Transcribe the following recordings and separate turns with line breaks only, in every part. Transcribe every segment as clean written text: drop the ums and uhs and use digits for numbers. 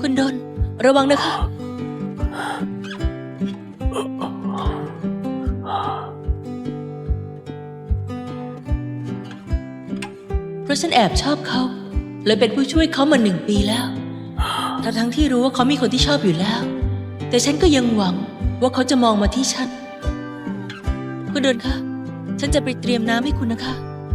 คุณดนระวังนะคะเพราะฉันแอบชอบเขาเลยเป็นผู้ช่วยเขามา1 ปีแล้วทั้งที่รู้ว่าเขามีคนที่ชอบอยู่แล้วแต่ฉันก็ยังหวังว่าเขาจะมองมาที่ฉันคุณดนคะฉันจะไปเตรียมน้ำให้คุณนะคะ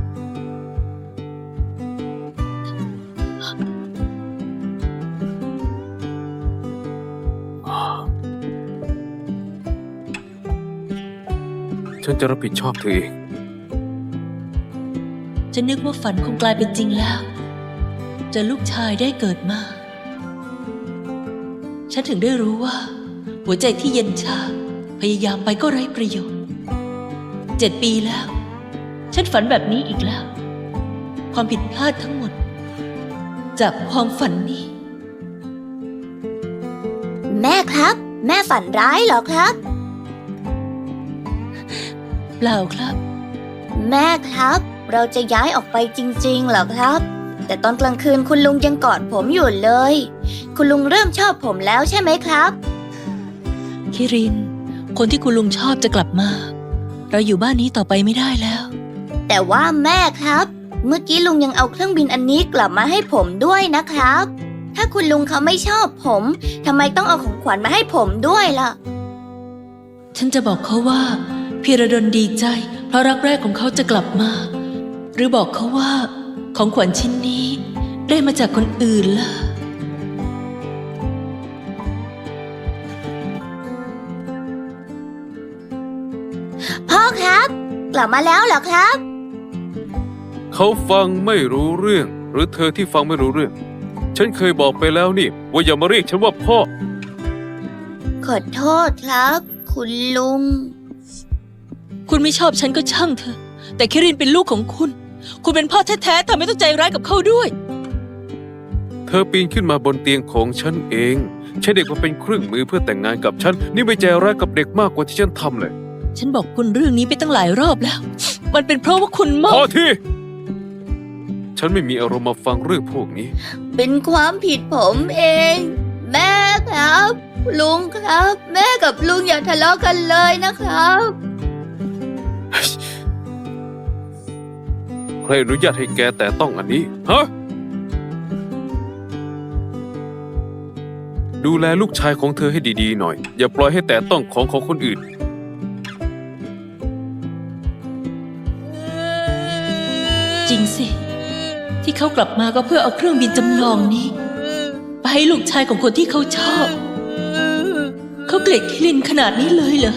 ฉันจะรับผิดชอบเธอเอง
ฉันนึกว่าฝันคงกลายเป็นจริงแล้วจะลูกชายได้เกิดมาฉันถึงได้รู้ว่าหัวใจที่เย็นชาพยายามไปก็ไร้ประโยชน์7 ปีแล้วฉันฝันแบบนี้อีกแล้วความผิดพลาดทั้งหมดจากความฝันนี้
แม่ครับแม่ฝันร้ายเหรอครับ
เปล่าครับ
แม่ครับเราจะย้ายออกไปจริงๆเหรอครับแต่ตอนกลางคืนคุณลุงยังกอดผมอยู่เลยคุณลุงเริ่มชอบผมแล้วใช่ไหมครับ
คิรินคนที่คุณลุงชอบจะกลับมาเราอยู่บ้านนี้ต่อไปไม่ได้แล้ว
แต่ว่าแม่ครับเมื่อกี้ลุงยังเอาเครื่องบินอันนี้กลับมาให้ผมด้วยนะครับถ้าคุณลุงเขาไม่ชอบผมทำไมต้องเอาของขวัญมาให้ผมด้วยล่ะ
ฉันจะบอกเขาว่าพีระดลดีใจเพราะรักแรกของเขาจะกลับมาหรือบอกเขาว่าของขวัญชิ้นนี้ได้มาจากคนอื่นล่ะ
พ่อครับกลับมาแล้วเหรอครับ
เขาฟังไม่รู้เรื่องหรือเธอที่ฟังไม่รู้เรื่องฉันเคยบอกไปแล้วนี่ว่าอย่ามาเรียกฉันว่าพ่อ
ขอโทษครับคุณลุง
คุณไม่ชอบฉันก็ช่างเถอะแต่คิรินเป็นลูกของคุณคุณเป็นพ่อแท้ๆทำไมต้องใจร้ายกับเขาด้วย
เธอปีนขึ้นมาบนเตียงของฉันเองใช้เด็กมาเป็นเครื่องมือเพื่อแต่งงานกับฉันนี่ไม่ใจร้ายกับเด็กมากกว่าที่ฉันทำเลย
ฉันบอกคุณเรื่องนี้ไปตั้งหลายรอบแล้วมันเป็นเพราะว่าคุณมอง
พอทีฉันไม่มีอารมณ์มาฟังเรื่องพวกนี้
เป็นความผิดผมเองแม่ครับลุงครับแม่กับลุงอย่าทะเลาะกันเลยนะครับ
ใครอนุญาตให้แกแต่ต้องอันนี้ฮะดูแลลูกชายของเธอให้ดีๆหน่อยอย่าปล่อยให้แต่ต้องของคนอื่น
จริงสิที่เขากลับมาก็เพื่อเอาเครื่องบินจำลองนี้ไปให้ลูกชายของคนที่เขาชอบเขาเกลียดคิรินขนาดนี้เลยเหรอ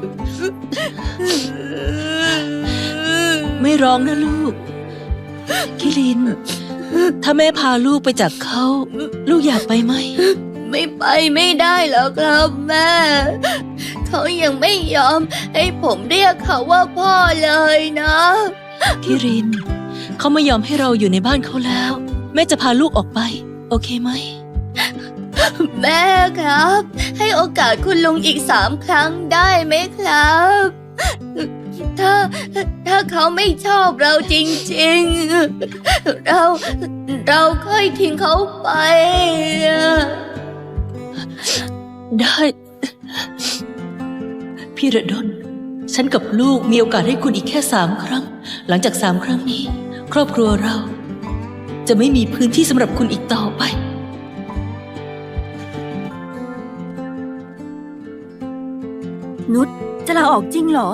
ไม่ร้องนะลูกคิรินถ้าแม่พาลูกไปจากเขาลูกอยากไปไหม
ไม่ไปไม่ได้หรอกครับแม่เขายังไม่ยอมให้ผมเรียกเขาว่าพ่อเลยนะ
คิรินเขาไม่ยอมให้เราอยู่ในบ้านเขาแล้วแม่จะพาลูกออกไปโอเคไหม
แม่ครับให้โอกาสคุณลุงอีก3 ครั้งได้ไหมครับถ้าเขาไม่ชอบเราจริงๆเราค่อยทิ้งเขาไป
ได้พี่ระดลฉันกับลูกมีโอกาสให้คุณอีกแค่3 ครั้งหลังจาก3 ครั้งนี้ครอบครัวเราจะไม่มีพื้นที่สำหรับคุณอีกต่อไป
นุชจะลาออกจริงเหรอ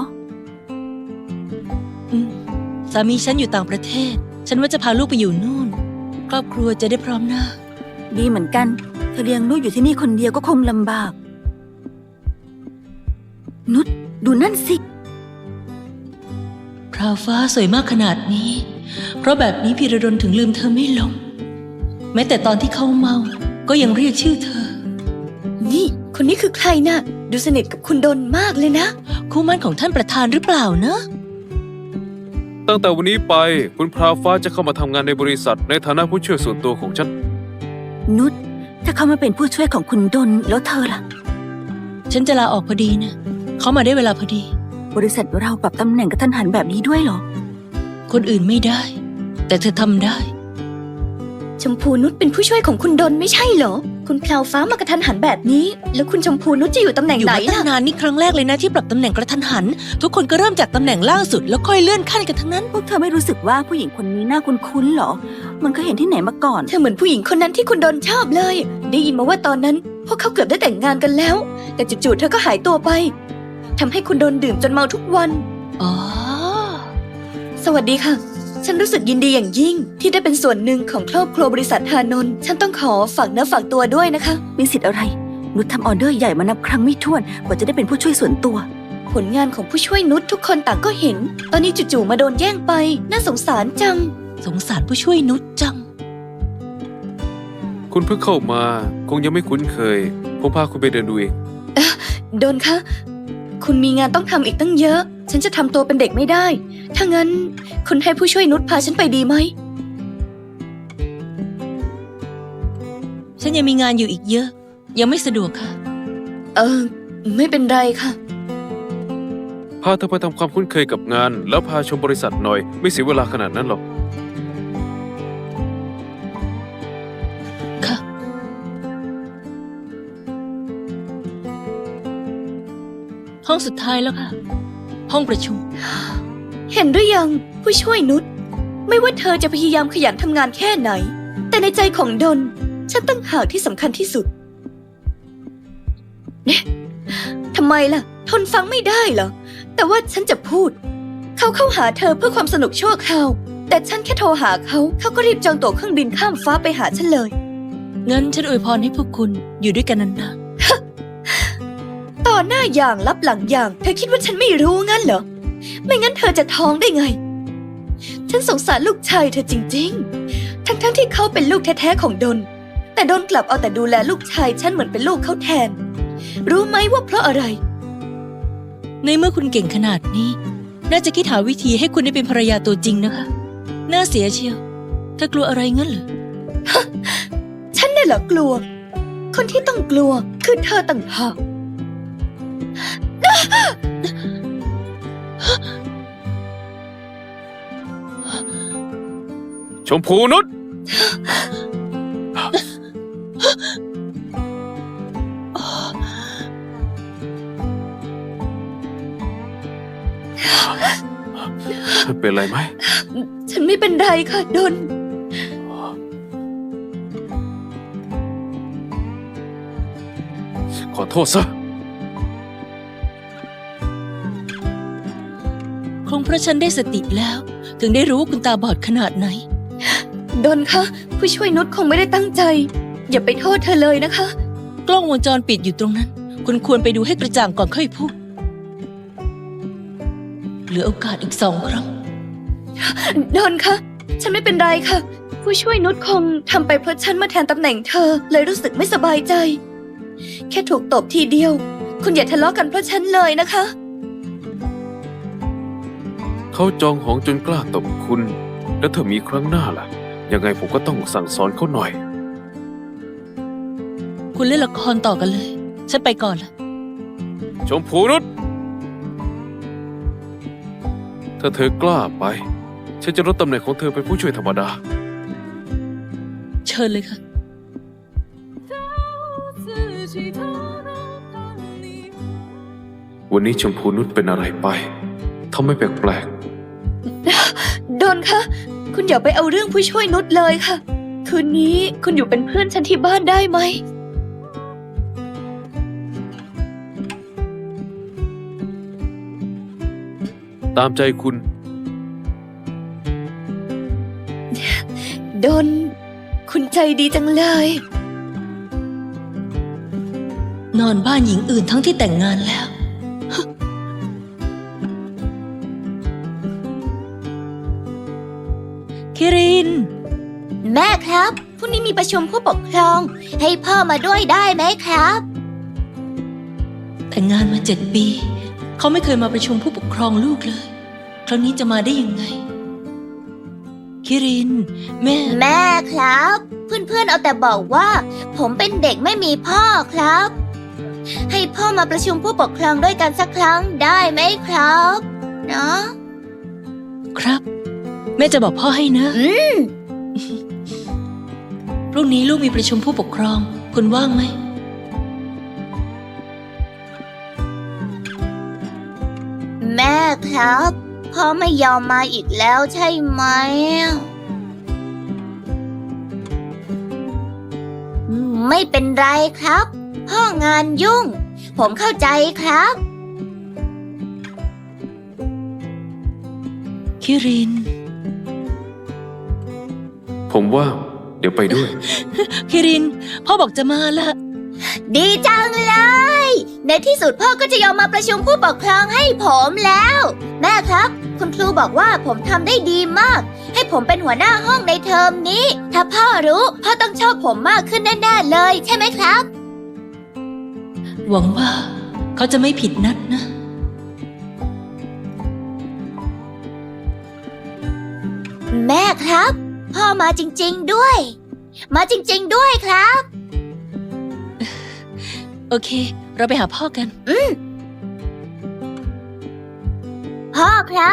สามีฉันอยู่ต่างประเทศฉันว่าจะพาลูกไปอยู่นู่นครอบครัวจะได้พร้อมหน้า
ดีเหมือนกันเธอเลี้ยงลูกอยู่ที่นี่คนเดียวก็คงลำบากนุชดูนั่นสิ
พราวฟ้าสวยมากขนาดนี้เพราะแบบนี้พีระดลถึงลืมเธอไม่ลงแม้แต่ตอนที่เขาเมาก็ยังเรียกชื่อเธอ
นี่คนนี้คือใครนะดูสนิทกับคุณดนมากเลยนะ
คู่มั่นของท่านประธานหรือเปล่านะ
ตั้งแต่วันนี้ไปคุณพราวฟ้าจะเข้ามาทำงานในบริษัทในฐานะผู้ช่วยส่วนตัวของฉัน
นุชถ้าเขามาเป็นผู้ช่วยของคุณดนแล้วเธอล่ะ
ฉันจะลาออกพอดีนะเขามาได้เวลาพอดี
บริษัทเราปรับตำแหน่งกระทันหันแบบนี้ด้วยเหรอ
คนอื่นไม่ได้แต่เธอทำได้
ชมพูนุชเป็นผู้ช่วยของคุณดนไม่ใช่เหรอคุณแพลวฟ้ามากระทันหันแบบนี้ แล้วคุณชมพูนุชจะอยู่ตำแหน่ง
อยู่
ไหน
มาตั้ง
ล่ะ
นานนี่ครั้งแรกเลยนะที่ปรับตำแหน่งกระทันหัน ทุกคนก็เริ่มจากตำแหน่งล่างสุดแล้วค่อยเลื่อนขั้นกันทั้งนั้น
พวกเธอไม่รู้สึกว่าผู้หญิงคนนี้น่าคุ้นๆหรอ มันเคยเห็นที่ไหนมาก่อน
เธอเหมือนผู้หญิงคนนั้นที่คุณโดนชอบเลย ได้ยินมาว่าตอนนั้นพวกเขาเกือบได้แต่งงานกันแล้ว แต่จู่ๆเธอก็หายตัวไปทำให้คุณโดนดื่มจนเมาทุกวัน
อ๋อ
สวัสดีค่ะ ฉันรู้สึกยินดีอย่างยิ่ง ที่ได้เป็นส่วนหนึ่งของครอบครัวบริษัทฮานนท์ฉันต้องขอฝากเนื้อฝากตัวด้วยนะคะ
มีสิทธิ์อะไร นุชทำออเดอร์ใหญ่มานับครั้งไม่ถ้วนกว่าจะได้เป็นผู้ช่วยส่วนตัว
ผลงานของผู้ช่วยนุชทุกคนต่างก็เห็น ตอนนี้จู่ๆมาโดนแย่งไป น่าสงสารจัง
สงสารผู้ช่วยนุชจัง
คุณเพิ่งเข้ามาคงยังไม่คุ้นเคยผมพาคุณไปเดินดูเอง
โดนคะ คุณมีงานต้องทำอีกตั้งเยอะ ฉันจะทำตัวเป็นเด็กไม่ได้ ถ้างั้นคุณให้ผู้ช่วยนุชพาฉันไปดีไหม
ฉันยังมีงานอยู่อีกเยอะ ยังไม่สะดวกค่ะ
ไม่เป็นไรค่ะ
พาเธอไปทำความคุ้นเคยกับงาน แล้วพาชมบริษัทหน่อย ไม่เสียเวลาขนาดนั้นหรอก
ค่ะ ห้องสุดท้ายแล้วค่ะ ห้องประชุม
เห็นหรือยังผู้ช่วยนุชไม่ว่าเธอจะพยายามขยันทำงานแค่ไหน แต่ในใจของดนฉันตั้งหากที่สำคัญที่สุดเนี่ยทำไมล่ะ ทนฟังไม่ได้เหรอ แต่ว่าฉันจะพูด เขาเข้าหาเธอเพื่อความสนุกชั่วคราว แต่ฉันแค่โทรหาเขาก็รีบจองตั๋วเครื่องบินข้ามฟ้าไปหาฉันเลย
งั้นฉันอวยพรให้พวกคุณอยู่ด้วยกันนาน
ต่อหน้าอย่างรับหลังอย่าง เธอคิดว่าฉันไม่รู้งั้นเหรอ ไม่งั้นเธอจะท้องได้ไง ฉันสงสารลูกชายเธอจริงๆ ทั้งที่เขาเป็นลูกแท้ๆของดน แต่ดนกลับเอาแต่ดูแลลูกชายฉันเหมือนเป็นลูกเขาแทน รู้ไหมว่าเพราะอะไร
ๆในเมื่อคุณเก่งขนาดนี้ น่าจะคิดหาวิธีให้คุณได้เป็นภรรยาตัวจริงนะคะ น่าเสียเชียวเธอกลัวอะไรงั้นเหรอ
ฉันน่ะเหรอกลัว คนที่ต้องกลัวคือเธอต่างหาก
ชมพูนุช เป็นไรไหม
ฉันไม่เป็นไรค่ะดน
ขอโทษซะ
คงเพราะฉันได้สติแล้ว ถึงได้รู้ว่าคุณตาบอดขนาดไหน
ดนคะผู้ช่วยนุชคงไม่ได้ตั้งใจ อย่าไปโทษเธอเลยนะคะ
กล้องวงจรปิดอยู่ตรงนั้น คุณควรไปดูให้กระจ่างก่อนค่อยพูด เหลือโอกาสอีก2 ครั้ง
ดนคะ ฉันไม่เป็นไรค่ะ ผู้ช่วยนุชคงทำไปเพราะฉันมาแทนตำแหน่งเธอ เลยรู้สึกไม่สบายใจ แค่ถูกตบทีเดียว คุณอย่าทะเลาะกันเพราะฉันเลยนะคะ
เขาจองหองจนกล้าตบคุณ แล้วถ้ามีครั้งหน้าล่ะ ยังไงผมก็ต้องสั่งสอนเขาหน่อย
คุณเล่นละครต่อกันเลย ฉันไปก่อนละ
ชมพูนุชถ้าเธอกล้าไป ฉันจะลดตำแหน่งของเธอเป็นผู้ช่วยธรรมดา
เชิญเลยค่ะ
วันนี้ชมพูนุชเป็นอะไรไปทำไมแปลก
ดนคะ คุณอย่าไปเอาเรื่องผู้ช่วยนุชเลยค่ะ คืนนี้คุณอยู่เป็นเพื่อนฉันที่บ้านได้ไหม
ๆ ตามใจคุณ
ดน คุณใจดีจังเลย
นอนบ้านหญิงอื่นทั้งที่แต่งงานแล้ว คิริน
แม่ครับพรุ่งนี้มีประชุมผู้ปกครอง ให้พ่อมาด้วยได้ไหมครับ
แต่งงานมา7 ปี เขาไม่เคยมาประชุมผู้ปกครองลูกเลย คราวนี้จะมาได้ยังไง คิริน แม่
แม่ครับ เพื่อนๆเอาแต่บอกว่า ผมเป็นเด็กไม่มีพ่อครับ ให้พ่อมาประชุมผู้ปกครองด้วยกันสักครั้งได้ไหมครับเนาะ
ครับ แม่จะบอกพ่อให้นะ พรุ่งนี้ลูกมีประชุมผู้ปกครองคุณว่างไหม
แม่ครับพ่อไม่ยอมมาอีกแล้วใช่ไหมไม่เป็นไรครับพ่องานยุ่งผมเข้าใจครับ
คิริน
ผมว่างเดี๋ยวไปด้วย
คิริน พ่อบอกจะมาละ
ดีจังเลย ในที่สุดพ่อก็จะยอมมาประชุมผู้ปกครองให้ผมแล้ว แม่ครับ คุณครูบอกว่าผมทำได้ดีมาก ให้ผมเป็นหัวหน้าห้องในเทอมนี้ ถ้าพ่อรู้พ่อต้องชอบผมมากขึ้นแน่ๆเลยใช่ไหมครับ
หวังว่าเขาจะไม่ผิดนัดนะ
แม่ครับ พ่อมาจริงๆด้วย มาจริงๆด้วยครับ
โอเค เราไปหาพ่อกัน
พ่อครับ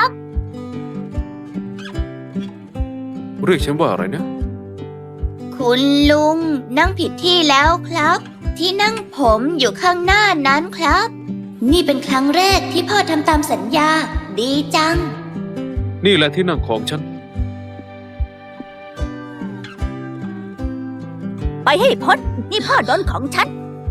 เรียกฉันว่าอะไรนะ
คุณลุงนั่งผิดที่แล้วครับ ที่นั่งผมอยู่ข้างหน้านั้นครับ นี่เป็นครั้งแรกที่พ่อทำตามสัญญา ดีจัง
นี่แหละที่นั่งของฉัน
ไปให้พ้นนี่พ่อโดนของฉัน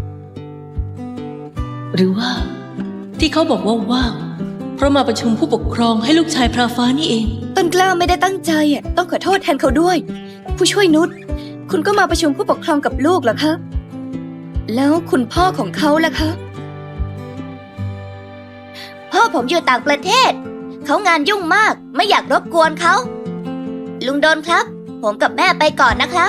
หรือว่า ที่เขาบอกว่าว่าง เพราะมาประชุมผู้ปกครองให้ลูกชายพราฟ้านี่เอง
ต้นกล้าไม่ได้ตั้งใจต้องขอโทษแทนเขาด้วย ผู้ช่วยนุชคุณก็มาประชุมผู้ปกครองกับลูกเหรอคะ แล้วคุณพ่อของเขาล่ะคะ พ่อผมอยู่ต่างประเทศ เขางานยุ่งมากไม่อยากรบกวนเขา ลุงโดนครับ ผมกับแม่ไปก่อนนะครับ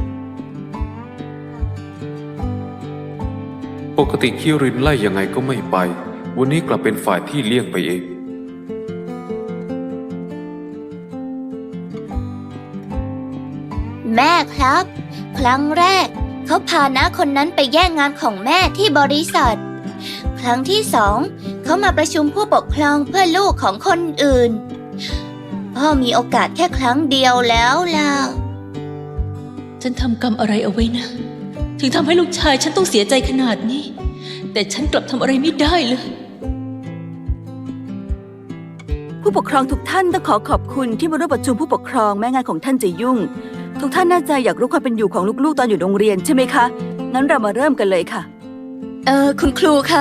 ปกติคิรินไล่ยังไงก็ไม่ไป วันนี้กลับเป็นฝ่ายที่เลี่ยงไปเอง
แม่ครับ ครั้งแรกเขาพาน้าคนนั้นไปแย่งงานของแม่ที่บริษัท ครั้งที่สองเขามาประชุมผู้ปกครองเพื่อลูกของคนอื่น พ่อมีโอกาสแค่ครั้งเดียวแล้วล่ะ
ฉันทำกรรมอะไรเอาไว้นะ ถึงทำให้ลูกชายฉันต้องเสียใจขนาดนี้ แต่ฉันกลับทำอะไรไม่ได้เลย
ผู้ปกครองทุกท่านต้องขอขอบคุณที่มาร่วมประชุมผู้ปกครองแม้งานของท่านจะยุ่ง ทุกท่านน่าจะอยากรู้ความเป็นอยู่ของลูกๆตอนอยู่โรงเรียนใช่ไหมคะ งั้นเรามาเริ่มกันเลยค่ะ
คุณครูคะ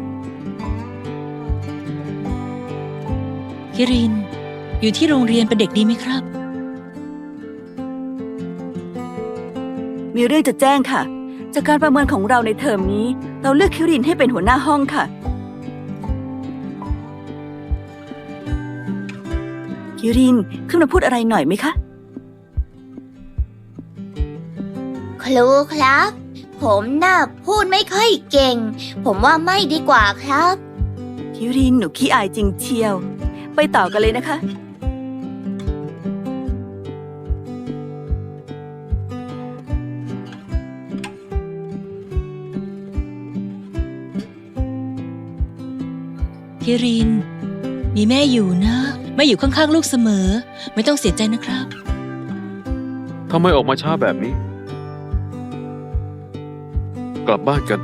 คิริน อยู่ที่โรงเรียนเป็นเด็กดีไหมครับ
มีเรื่องจะแจ้งค่ะ จากการประเมินของเราในเทอมนี้ เราเลือกคิรินให้เป็นหัวหน้าห้องค่ะ คิรินขึ้นมาพูดอะไรหน่อยไหมคะ
ครูครับ ผมน่ะพูดไม่ค่อยเก่ง ผมว่าไม่ดีกว่าครับ
คิรินหนูขี้อายจริงเชียว ไปต่อกันเลยนะคะ
คิริน มีแม่อยู่นะแม่อยู่ข้างๆลูกเสมอ ไม่ต้องเสียใจนะครับ
ทำไมออกมาช้าแบบนี้ กลับบ้านกัน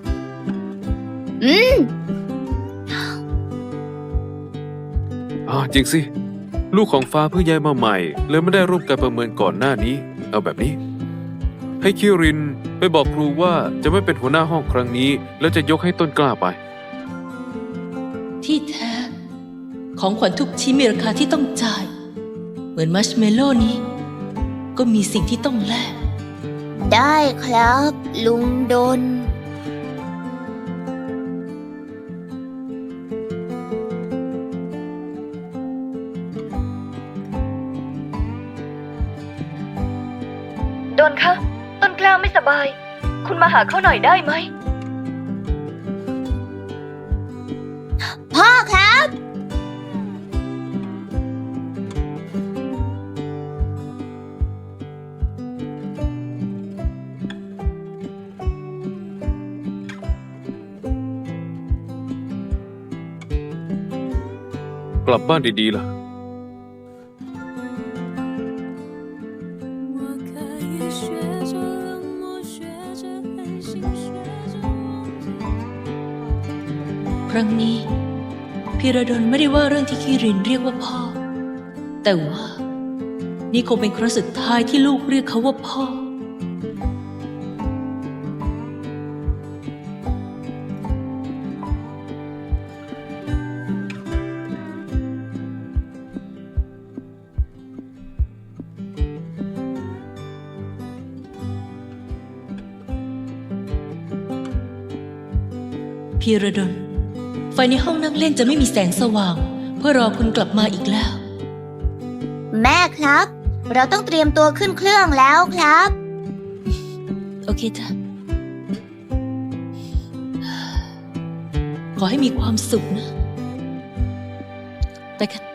จริงสิ ลูกของฟ้าเพิ่งย้ายมาใหม่ เลยไม่ได้ร่วมการประเมินก่อนหน้านี้ เอาแบบนี้ ให้คิรินไปบอกครูว่าจะไม่เป็นหัวหน้าห้องครั้งนี้ แล้วจะยกให้ต้นกล้าไป
ที่แท้ ของขวัญทุกชิ้นมีราคาที่ต้องจ่าย เหมือนมัชเมลโล่นี้ ก็มีสิ่งที่ต้องแลก
ได้ครับ ลุงดน
โดนคะ ต้นกล้าไม่สบาย คุณมาหาเขาหน่อยได้ไหม
พ่อครับ
กลับบ้านดีๆล่ะ
我可以学着冷漠，学着黑
ครั้งนี้ พีระดลไม่ได้ว่าเรื่องที่คิรินเรียกว่าพ่อ แต่ว่านี่คงเป็นครั้งสุดท้ายที่ลูกเรียกเขาว่าพ่อ พีระดล ไฟในห้องนั่งเล่นจะไม่มีแสงสว่าง เพื่อรอคุณกลับมาอีกแล้ว
แม่ครับ เราต้องเตรียมตัวขึ้นเครื่องแล้วครับ
โอเคจ้ะ ขอให้มีความสุขนะ ไปกัน